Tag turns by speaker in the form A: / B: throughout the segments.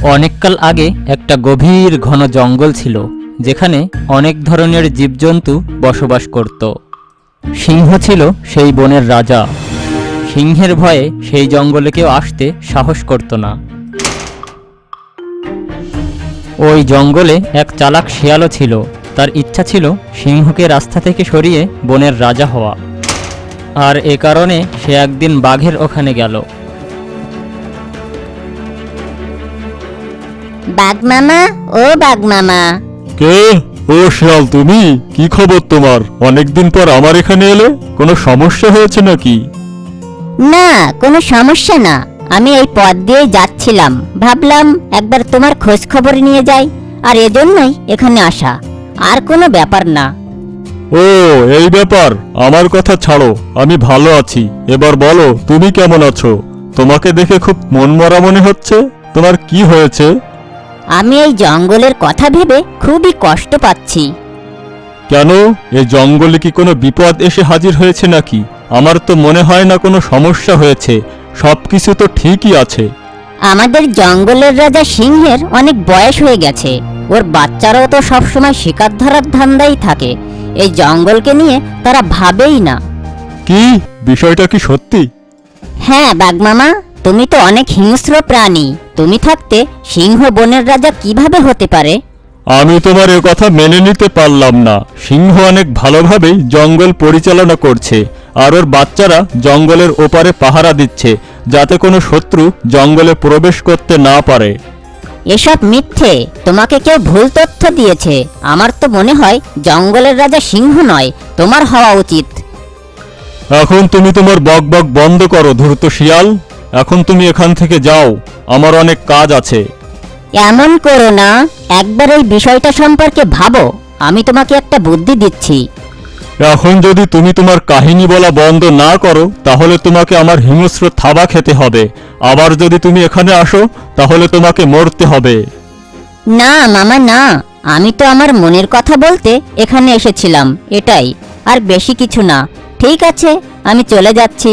A: অনেককাল আগে একটা গভীর ঘন জঙ্গল ছিল, যেখানে অনেক ধরনের জীবজন্তু বসবাস করত। সিংহ ছিল সেই বনের রাজা। সিংহের ভয়ে সেই জঙ্গলে কেউ আসতে সাহস করত না। ওই জঙ্গলে এক চালাক শিয়ালও ছিল। তার ইচ্ছা ছিল সিংহকে রাস্তা থেকে সরিয়ে বনের রাজা হওয়া। আর এ কারণে সে একদিন বাঘের ওখানে গেল।
B: বাঘ মামা, ও বাঘ মামা।
C: কে? ও শিয়াল, তুমি? কি খবর তোমার? অনেকদিন পর আমার এখানে এলে, কোনো সমস্যা হয়েছে নাকি?
B: না, কোনো সমস্যা না। আমি এই পথ দিয়েই যাচ্ছিলাম, ভাবলাম একবার তোমার খোঁজ খবর নিয়ে যাই, আর এজন্যই এখানে আসা। আর কোনো ব্যাপার না।
C: ও, এই ব্যাপার। আমার কথা ছাড়ো, আমি ভালো আছি। এবার বলো, তুমি কেমন আছো? তোমাকে দেখে খুব মনমরা মনে হচ্ছে। তোমার কি হয়েছে?
B: আমি এই জঙ্গলের কথা ভেবে খুবই কষ্ট পাচ্ছি।
C: কেন? এই জঙ্গলে কি কোনো বিপদ এসে হাজির হয়েছে নাকি? আমার তো মনে হয় না কোনো সমস্যা হয়েছে। সবকিছু তো ঠিকই আছে।
B: আমাদের জঙ্গলের রাজা সিংহের অনেক বয়স হয়ে গেছে। ওর বাচ্চারাও তো সবসময় শিকার ধরার ধান্দাই থাকে। এই জঙ্গলকে নিয়ে তারা ভাবেই না।
C: কি? বিষয়টা কি সত্যি?
B: হ্যাঁ বাঘ মামা, তুমি তো অনেক হিংস্র প্রাণী। তুমি থাকতে সিংহ বনের রাজা কিভাবে হতে পারে?
C: আমি তোমার এ কথা মেনে নিতে পারলাম না। সিংহ অনেক ভালোভাবেই জঙ্গল পরিচালনা করছে, আর ওর বাচ্চারা জঙ্গলের ওপারে পাহারা দিচ্ছে, যাতে কোনো শত্রু জঙ্গলে প্রবেশ করতে না পারে।
B: এসব মিথ্যে। তোমাকে কেউ ভুল তথ্য দিয়েছে। আমার তো মনে হয় জঙ্গলের রাজা সিংহ নয়, তোমার হওয়া উচিত।
C: এখন তুমি তোমার বকবক বন্ধ করো, ধূর্ত শিয়াল। এখন তুমি এখান থেকে যাও, আমার অনেক কাজ আছে।
B: এমন করো না, একবার এই বিষয়টা সম্পর্কে ভাবো। আমি তোমাকে একটা বুদ্ধি দিচ্ছি।
C: এখন যদি তুমি তোমার কাহিনী বলা বন্ধ না করো, তাহলে তোমাকে আমার হিংস্র থাবা খেতে হবে। আবার যদি তুমি এখানে আসো, তাহলে তোমাকে মরতে হবে।
B: না মামা না, আমি তো আমার মনের কথা বলতে এখানে এসেছিলাম, এটাই। আর বেশি কিছু না। ঠিক আছে, আমি চলে যাচ্ছি।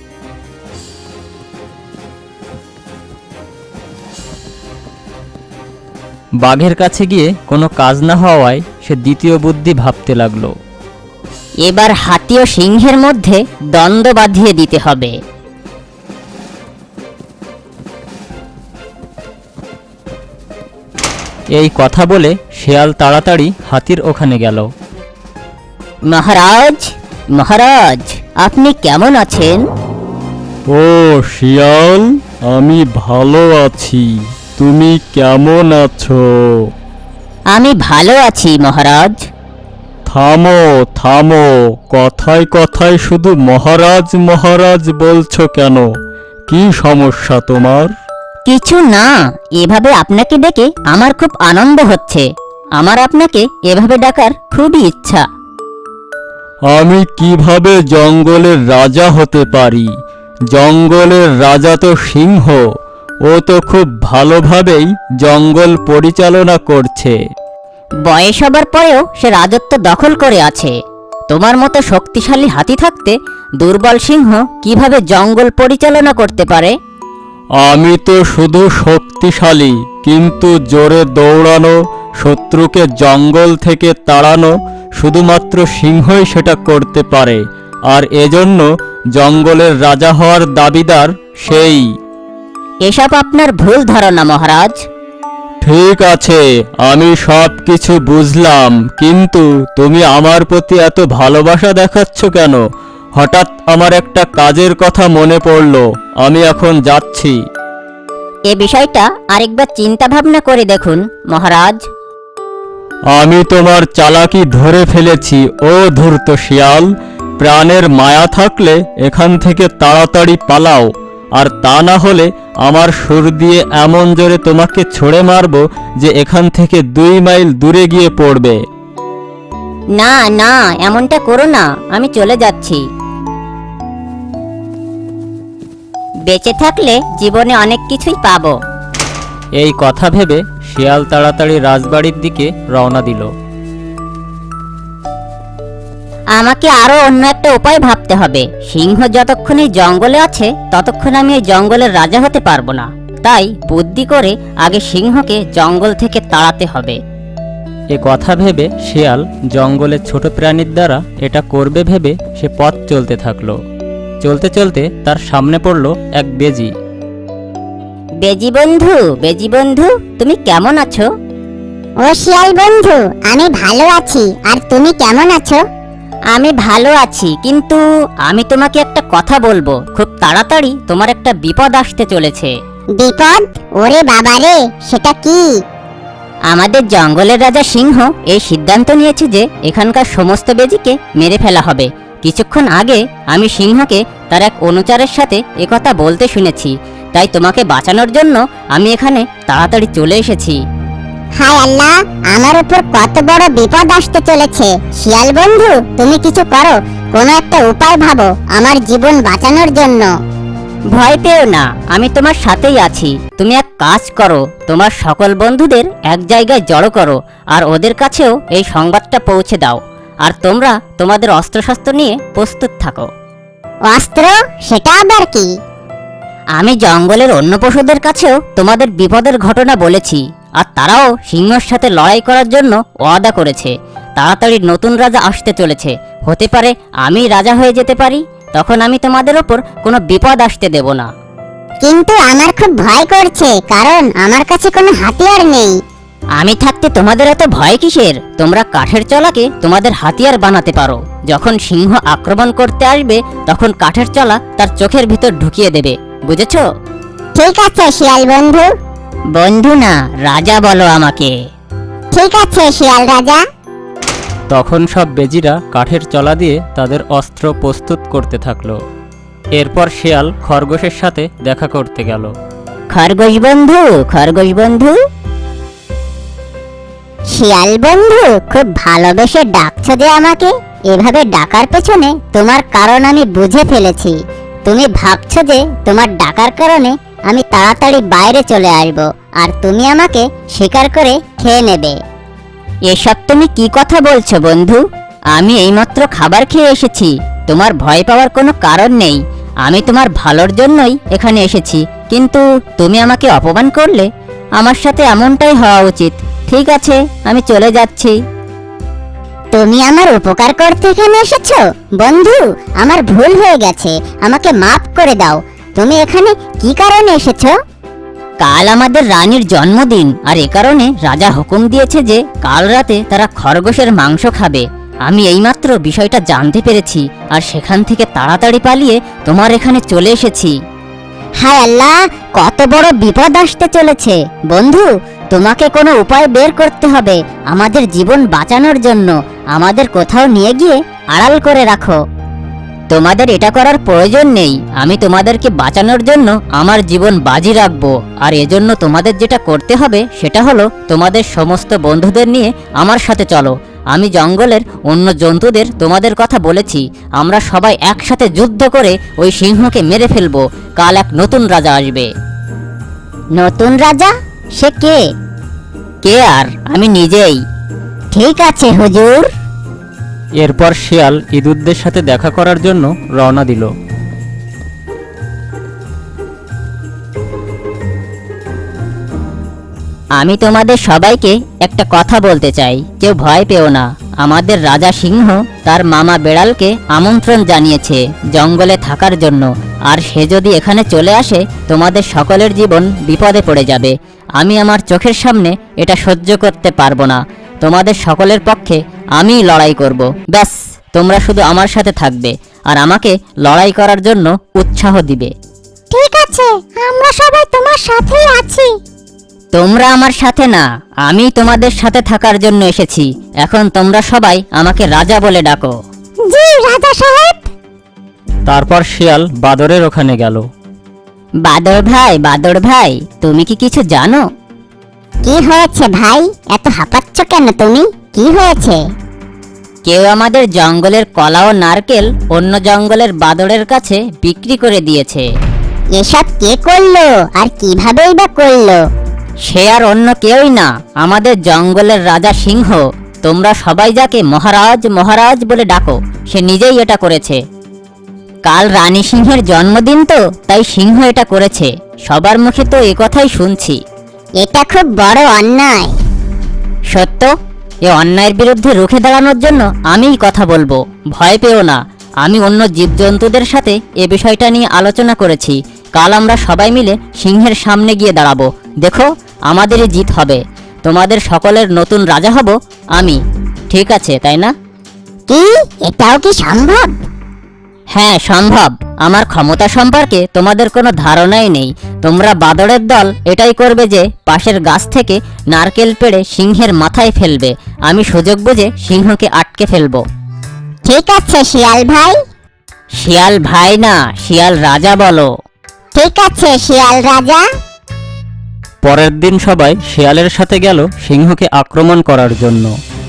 A: বাঘের কাছে গিয়ে কোনো কাজ না হওয়ায় সে দ্বিতীয় বুদ্ধি ভাবতে লাগলো।
B: এবার হাতি ও সিংহের মধ্যে দ্বন্দ্ব বাঁধিয়ে দিতে হবে।
A: এই কথা বলে শিয়াল তাড়াতাড়ি হাতির ওখানে গেল।
B: মহারাজ, মহারাজ, আপনি কেমন আছেন?
C: ও শিয়াল, আমি ভালো আছি। তুমি কেমন আছো?
B: আমি ভালো আছি মহারাজ।
C: থামো থামো, কথায় কথায় শুধু মহারাজ মহারাজ বলছো কেন? কি সমস্যা তোমার?
B: কিছু না, এভাবে আপনাকে ডেকে আমার খুব আনন্দ হচ্ছে। আমার আপনাকে এভাবে ডাকার খুবই ইচ্ছা।
C: আমি কিভাবে জঙ্গলের রাজা হতে পারি? জঙ্গলের রাজা তো সিংহ। ও তো খুব ভালোভাবেই জঙ্গল পরিচালনা করছে।
B: বয়স হবার পরেও সে রাজত্ব দখল করে আছে। তোমার মতো শক্তিশালী হাতি থাকতে দুর্বল সিংহ কিভাবে জঙ্গল পরিচালনা করতে পারে?
C: আমি তো শুধু শক্তিশালী, কিন্তু জোরে দৌড়ানো, শত্রুকে জঙ্গল থেকে তাড়ানো শুধুমাত্র সিংহই সেটা করতে পারে। আর এজন্য জঙ্গলের রাজা হওয়ার দাবিদার সেই।
B: এসব আপনার ভুল ধারণা মহারাজ।
C: ঠিক আছে, আমি সব কিছু বুঝলাম, কিন্তু তুমি আমার প্রতি এত ভালোবাসা দেখাচ্ছ কেন? হঠাৎ আমার একটা কাজের কথা মনে পড়লো। আমি এখন যাচ্ছি।
B: এ বিষয়টা আরেকবার চিন্তা ভাবনা করে দেখুন মহারাজ।
C: আমি তোমার চালাকি ধরে ফেলেছি, ও ধূর্ত শিয়াল। প্রাণের মায়া থাকলে এখান থেকে তাড়াতাড়ি পালাও, আর তা না হলে আমার সুর দিয়ে এমন জোরে তোমাকে ছুঁড়ে মারব যে এখান থেকে 2 মাইল দূরে গিয়ে পড়বে।
B: না না, এমনটা করো না, আমি চলে যাচ্ছি। বেঁচে থাকলে জীবনে অনেক কিছুই পাবো।
A: এই কথা ভেবে শিয়াল তাড়াতাড়ি রাজবাড়ির দিকে রওনা দিল।
B: আমাকে আরো অন্য একটা উপায় ভাবতে হবে। সিংহ যতক্ষণ এই জঙ্গলে আছে ততক্ষণ আমি এই জঙ্গলের রাজা হতে পারবো না। তাই বুদ্ধি করে আগে সিংহকে জঙ্গল থেকে তাড়াতে হবে।
A: এ কথা ভেবে শিয়াল জঙ্গলের ছোট প্রাণীর দ্বারা এটা করবে ভেবে সে পথ চলতে থাকলো। চলতে চলতে তার সামনে পড়ল এক বেজি।
B: বেজি বন্ধু, তুমি কেমন আছো?
D: ও শিয়াল বন্ধু, আমি ভালো আছি, আর তুমি কেমন আছো?
B: আমি ভালো আছি, কিন্তু আমি তোমাকে একটা কথা বলবো। খুব তাড়াতাড়ি তোমার একটা বিপদ আসতে চলেছে।
D: বিপদ? ওরে বাবারে, সেটা কি?
B: আমাদের জঙ্গলের রাজা সিংহ এই সিদ্ধান্ত নিয়েছে যে এখানকার সমস্ত বেজিকে মেরে ফেলা হবে। কিছুক্ষণ আগে আমি সিংহকে তার এক অনুচরের সাথে একথা বলতে শুনেছি, তাই তোমাকে বাঁচানোর জন্য আমি এখানে তাড়াতাড়ি চলে এসেছি।
D: হায় আল্লাহ, আমার উপর কত বড় বিপদ আসতে চলেছে। শিয়াল বন্ধু, তুমি কিছু করো, কোনো একটা উপায় ভাবো আমার জীবন বাঁচানোর জন্য।
B: ভয় পেও না, আমি তোমার সাথেই আছি। তুমি এক কাজ করো, তোমার সকল বন্ধুদের এক জায়গায় জড়ো করো আর ওদের কাছেও এই সংবাদটা পৌঁছে দাও। আর তোমরা তোমাদের অস্ত্রশস্ত্র নিয়ে প্রস্তুত থাকো।
D: অস্ত্র? সেটা আবার কি?
B: আমি জঙ্গলের অন্য পশুদের কাছেও তোমাদের বিপদের ঘটনা বলেছি, আর তারাও সিংহর সাথে লড়াই করার জন্য ওয়াদা করেছে। তাড়াতাড়ি নতুন রাজা আসতে চলেছে, হতে পারে আমি রাজা হয়ে যেতে পারি। তখন আমি তোমাদের ওপর কোনো বিপদ আসতে দেব না।
D: কিন্তু আমার খুব ভয় করছে, কারণ আমার কাছে কোনো হাতিয়ার নেই।
B: আমি থাকতে তোমাদের এত ভয় কিসের? তোমরা কাঠের চলাকে তোমাদের হাতিয়ার বানাতে পারো। যখন সিংহ আক্রমণ করতে আসবে তখন কাঠের চলা তার চোখের ভিতর ঢুকিয়ে দেবে, বুঝেছো?
D: ঠিক আছে শিয়াল বন্ধু।
B: বন্ধু না, রাজা বলো আমাকে।
D: ঠিক আছে শিয়াল রাজা।
A: তখন সব বেজিরা কাঠের চলা দিয়ে তাদের অস্ত্র প্রস্তুত করতে থাকলো। এরপর শিয়াল খরগোশের সাথে দেখা করতে গেল।
B: খরগোশ বন্ধু।
D: শিয়াল বন্ধু, খুব ভালোবেসে ডাকছো যে আমাকে। এভাবে ডাকার পেছনে তোমার কারণ আমি বুঝে ফেলেছি। তুমি ভাবছো যে তোমার ডাকার কারণে আমি তাড়াতাড়ি বাইরে চলে আসবো, আর তুমি আমাকে শিকার করে খেয়ে নেবে।
B: এসব তুমি কি কথা বলছো বন্ধু? আমি এইমাত্র খাবার খেয়ে এসেছি। তোমার ভয় পাওয়ার কোনো কারণ নেই। আমি তোমার ভালোর জন্যই এখানে এসেছি, কিন্তু তুমি আমাকে অপমান করলে। আমার সাথে এমনটাই হওয়া উচিত। ঠিক আছে, আমি চলে যাচ্ছি।
D: তুমি আমার উপকার করতে এখানে এসেছো? বন্ধু, আমার ভুল হয়ে গেছে, আমাকে মাফ করে দাও। তুমি এখানে কি কারণে এসেছো?
B: কাল আমাদের রানীর জন্মদিন, আর এ কারণে রাজা হুকুম দিয়েছে যে কাল রাতে তারা খরগোশের মাংস খাবে। আমি এইমাত্র বিষয়টা জানতে পেরেছি, আর সেখান থেকে তাড়াতাড়ি পালিয়ে তোমার এখানে চলে এসেছি।
D: হায় আল্লাহ, কত বড় বিপদ আসতে চলেছে। বন্ধু, তোমাকে কোনো উপায় বের করতে হবে আমাদের জীবন বাঁচানোর জন্য। আমাদের কোথাও নিয়ে গিয়ে আড়াল করে রাখো।
B: তোমাদের এটা করার প্রয়োজন নেই। আমি তোমাদেরকে বাঁচানোর জন্য আমার জীবন বাজি রাখবো। আর এজন্য তোমাদের যেটা করতে হবে সেটা হলো তোমাদের সমস্ত বন্ধুদের নিয়ে আমার সাথে চলো। আমি জঙ্গলের অন্য জন্তুদের তোমাদের কথা বলেছি। আমরা সবাই একসাথে যুদ্ধ করে ওই সিংহকে মেরে ফেলবো। কাল এক নতুন রাজা আসবে।
D: নতুন রাজা? সে কে?
B: কে আর, আমি নিজেই।
D: ঠিক আছে হুজুর।
A: এরপর শিয়াল ইঁদুরদের সাথে দেখা করার জন্য রওনা দিল।
B: আমি তোমাদের সবাইকে একটা কথা বলতে চাই, কেউ ভয় পেও না। আমাদের রাজা সিংহ তার মামা বেড়ালকে আমন্ত্রণ জানিয়েছে জঙ্গলে থাকার জন্য, আর সে যদি এখানে চলে আসে তোমাদের সকলের জীবন বিপদে পড়ে যাবে। আমি আমার চোখের সামনে এটা সহ্য করতে পারবো না। তোমাদের সকলের পক্ষে আমিই লড়াই করব। ব্যাস, তোমরা শুধু আমার সাথে থাকবে আর আমাকে লড়াই করার জন্য উৎসাহ দিবে।
D: ঠিক আছে, আমরা সবাই তোমার সাথেই আছি।
B: তোমরা আমার সাথে না, আমি তোমাদের সাথে থাকার জন্য এসেছি। এখন তোমরা সবাই আমাকে রাজা বলে ডাকো।
D: জি রাজা সাহেব।
A: তারপর শিয়াল বাদরের ওখানে গেল।
B: বাদর ভাই, তুমি কি কিছু জানো?
D: কি হয়েছে ভাই? এত হাঁপাচ্ছ কেন তুমি? কি হয়েছে?
B: কেউ আমাদের জঙ্গলের কলা ও নারকেল অন্য জঙ্গলের বাদরের কাছে বিক্রি করে দিয়েছে।
D: এসব কে করলো, আর কিভাবেই বা করলো?
B: সে আর অন্য কেউই না, আমাদের জঙ্গলের রাজা সিংহ। তোমরা সবাই যাকে মহারাজ মহারাজ বলে ডাকো, সে নিজেই এটা করেছে। কাল রানী সিংহের জন্মদিন তো, তাই সিংহ এটা করেছে। সবার মুখে তো এ কথাই শুনছি।
D: এটা খুব বড় অন্যায়।
B: সত্য, এ অন্যায়ের বিরুদ্ধে রুখে দাঁড়ানোর জন্য আমিই কথা বলবো। ভয় পেও না, আমি অন্য জীবজন্তুদের সাথে এ বিষয়টা নিয়ে আলোচনা করেছি। কাল আমরা সবাই মিলে সিংহের সামনে গিয়ে দাঁড়াবো। দেখো, আমাদেরই জিত হবে। তোমাদের সকলের নতুন রাজা হব আমি। ঠিক আছে, তাই না?
D: কি, এটাও কি সম্ভব?
B: হ্যাঁ, সম্ভব। আমার ক্ষমতা সম্পর্কে তোমাদের কোনো ধারণাই নেই। তোমরা বাদরের দল এটাই করবে যে পাশের গাছ থেকে নারকেল পেড়ে সিংহের মাথায় ফেলবে। আমি সুযোগ বুঝে সিংহকে আটকে ফেলবো।
D: ঠিক আছে শিয়াল ভাই।
B: শিয়াল ভাই না, শিয়াল রাজা বলো।
D: ঠিক আছে শিয়াল রাজা।
A: পরের দিন সবাই শিয়ালের সাথে গেল সিংহকে আক্রমণ করার জন্য।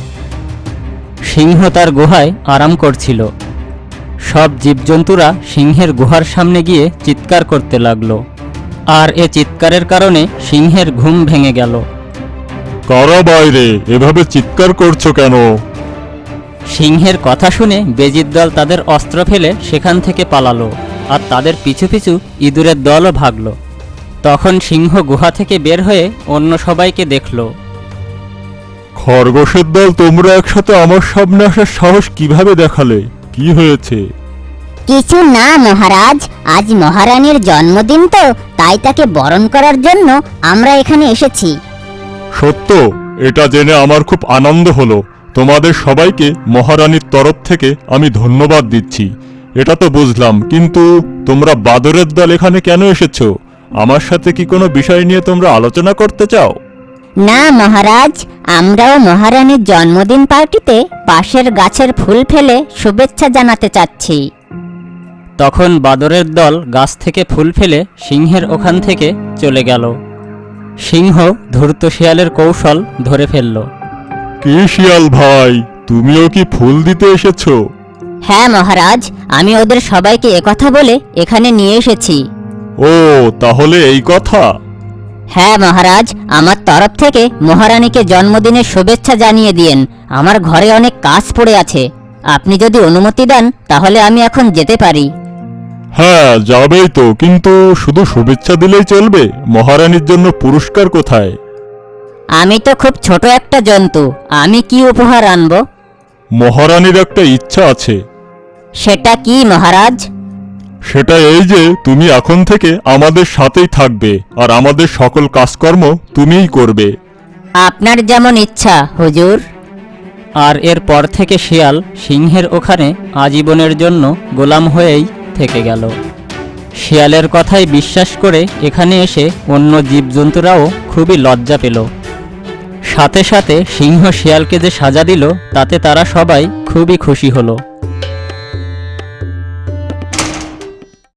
A: সিংহ তার গুহায় আরাম করছিল। সব জীবজন্তুরা সিংহের গুহার সামনে গিয়ে চিৎকার করতে লাগলো, আর এ চিৎকারের কারণে সিংহের ঘুম ভেঙে গেল।
C: কারা বাইরে, এভাবে চিৎকার করছো কেন?
A: সিংহের কথা শুনে বেজির দল তাদের অস্ত্র ফেলে সেখান থেকে পালালো, আর তাদের পিছু পিছু ইঁদুরের দলও ভাগলো। তখন সিংহ গুহা থেকে বের হয়ে অন্য সবাইকে দেখল।
C: খরগোশের দল, তোমরা একসাথে আমার সামনে আসার সাহস কিভাবে দেখালে? কি হয়েছে?
D: কিছু না মহারাজ, আজ মহারানীর জন্মদিন তো, তাই তাকে বরণ করার জন্য আমরা এখানে এসেছি।
C: সত্য, এটা জেনে আমার খুব আনন্দ হলো। তোমাদের সবাইকে মহারানীর তরফ থেকে আমি ধন্যবাদ দিচ্ছি। এটা তো বুঝলাম, কিন্তু তোমরা বাদরের দল এখানে কেন এসেছো? আমার সাথে কি কোনো বিষয় নিয়ে তোমরা আলোচনা করতে চাও?
D: না মহারাজ, আমরাও মহারানীর জন্মদিন পার্টিতে পাশের গাছের ফুল ফেলে শুভেচ্ছা জানাতে চাচ্ছি।
A: তখন বাদরের দল গাছ থেকে ফুল ফেলে সিংহের ওখান থেকে চলে গেল। সিংহ ধূর্ত শিয়ালের কৌশল ধরে ফেলল।
C: কি শিয়াল ভাই, তুমিও কি ফুল দিতে এসেছো?
B: হ্যাঁ মহারাজ, আমি ওদের সবাইকে একথা বলে এখানে নিয়ে এসেছি।
C: ও, তাহলে এই কথা।
B: হ্যাঁ মহারাজ, আমার তরফ থেকে মহারানীকে জন্মদিনের শুভেচ্ছা জানিয়ে দিয়েন। আমার ঘরে অনেক কাজ পড়ে আছে। আপনি যদি অনুমতি দেন তাহলে আমি এখন যেতে পারি।
C: হ্যাঁ, যাবেই তো, কিন্তু শুধু শুভেচ্ছা দিলেই চলবে? মহারানীর জন্য পুরস্কার কোথায়?
B: আমি তো খুব ছোট একটা জন্তু, আমি কি উপহার আনবো?
C: মহারানীর একটা ইচ্ছা আছে।
B: সেটা কি মহারাজ?
C: সেটা এই যে তুমি এখন থেকে আমাদের সাথেই থাকবে, আর আমাদের সকল কাজকর্ম তুমিই করবে।
B: আপনার যেমন ইচ্ছা হুজুর।
A: আর এরপর থেকে শিয়াল সিংহের ওখানে আজীবনের জন্য গোলাম হয়েই থেকে গেল। শিয়ালের কথাই বিশ্বাস করে এখানে এসে অন্য জীবজন্তুরাও খুবই লজ্জা পেল। সাথে সাথে সিংহ শিয়ালকে যে সাজা দিল, তাতে তারা সবাই খুবই খুশি হলো।